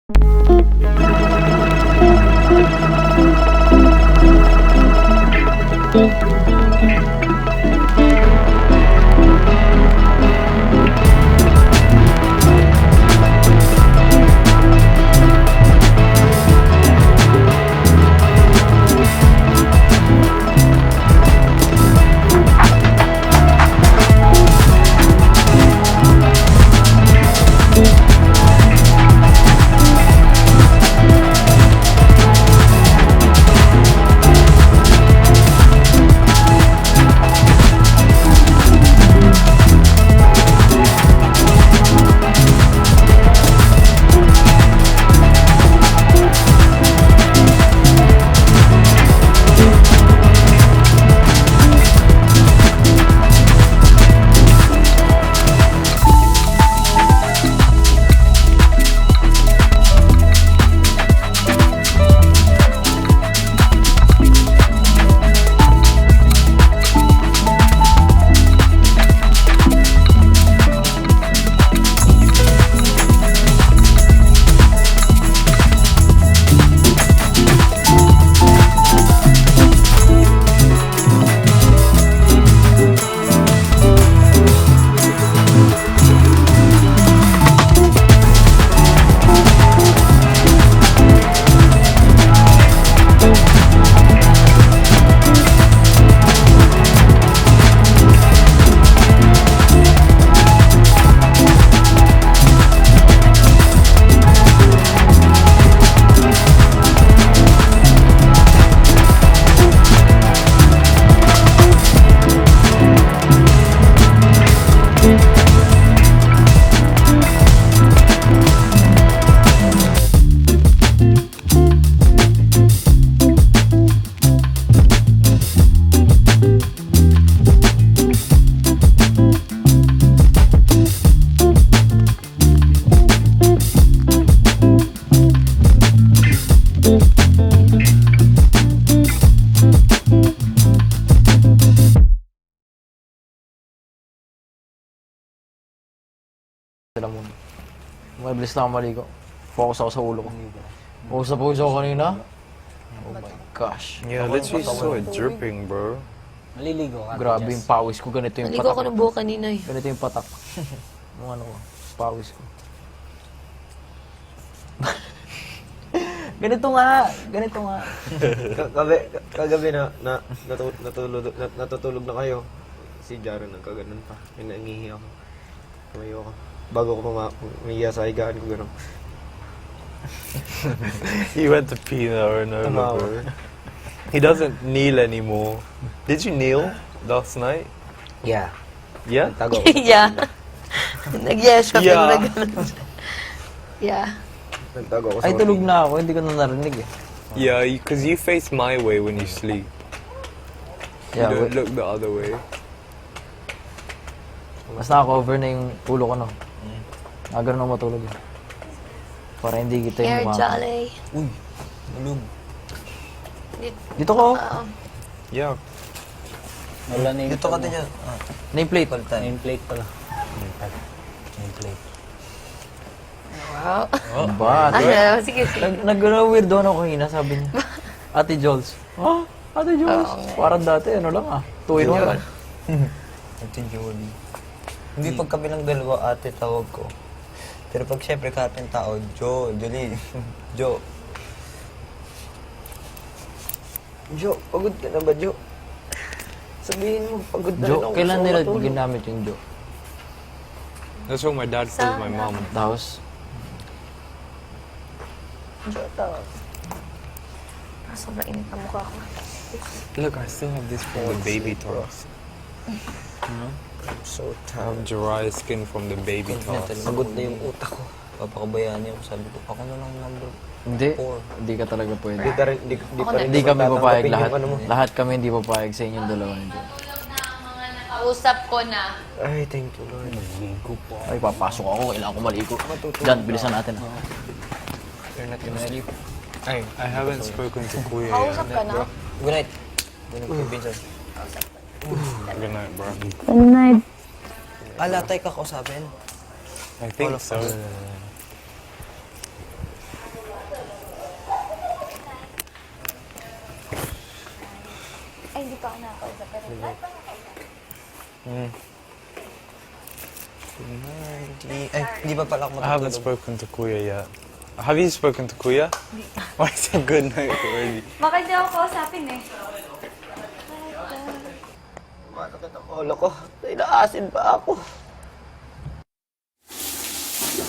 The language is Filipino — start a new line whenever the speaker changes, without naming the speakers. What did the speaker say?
Sila muna. Mabilis na ako maligo. Focus ako sa ulo ko. Focus na focus ako kanina. Oh my gosh.
Yeah, literally so dripping, bro.
Maliligo ka.
Grabe yung pawis ko. Ganito yung
Naligo
patak.
ako ng buhok kanina eh.
Ganito yung patak. Yung ano ko. Pawis ko. Ganito nga. Ganito nga.
Kagabi natutulog na kayo. Si Jaro nagkaganon pa. May nangihi ako. Tumayo ako. Bago ko umiya sa higaan ko gano'n.
He went to pee now or no, bro. He doesn't kneel anymore. Did you kneel last night?
Yeah.
Yeah?
Tago ako.
Yeah. Nag-yes ka
Yeah.
pero nag-ganon. Yeah.
Nagtago ako sa
Ay, tulog na ako. Hindi ko na narinig eh.
Yeah, because you face my way when you sleep.
Yeah,
You don't look the other way.
mas naka-cover na yung ulo ko, no? Nagano'n ako matulog eh. Para hindi kita
Air
yung
Jolly.
Uy, malug.
Dito ko.
Yeah.
Wala na yung...
Dito ka din yan.
Nameplate.
Nameplate pala. Nameplate.
Wow.
Ano ba?
Ano? Sige, sige.
Nag-weirdo ako kanina, sabi niya. Ate Jules. Ha? Ate Jules? Parang dati, ano lang ah. 2 in 1.
Ate Jolie. Hindi pag kami ng dalawa ate tawag ko. Pero pag syempre kahit yung tao, Jolie. Jo.
Jo, pagod ka na ba, Jo? Sabihin mo, pagod na rin
Jo,
ako.
kailan
Gusto ko
nila
matulog.
ginamit yung Jo?
That's what my dad calls my mom.
Tapos,
Jo, tawag.
Sobrang init ang mukha ko.
Look, I still have this from the baby talks.
I'm so
I
tired.
have dry skin from the baby talks.
Pagod na yung utak ko. Papakabayaan niya ako. Sabi ko, ako na lang number.
hindi.
4.
Hindi ka talaga pwede.
Di pa rin
Hindi kami papayag
tatanggapin
lahat.
yung ano mo.
Lahat kami hindi papayag sa inyong dalawa ni Jo.
Kausap ko na.
Ay, thank you, Lord.
Ay, papasok ako. Kailangan ko maligo. Jan, bilisan natin.
You're not gonna sleep.
Hey, I haven't spoken to Kuya
Kausap ka na?
Good night. Good night, Kay Vincent.
Good night, bro.
Latay ka kausapin.
I think so.
dito ako nakakausap. Pero lahat ba
Mm.
Ay, hindi pa pala ako
I haven't
matutulog.
spoken to Kuya yet. Have you spoken to Kuya? Why is it good night already?
Baka hindi ako kausapin eh.
Masakit ang ulo ko. Inaasin pa ako.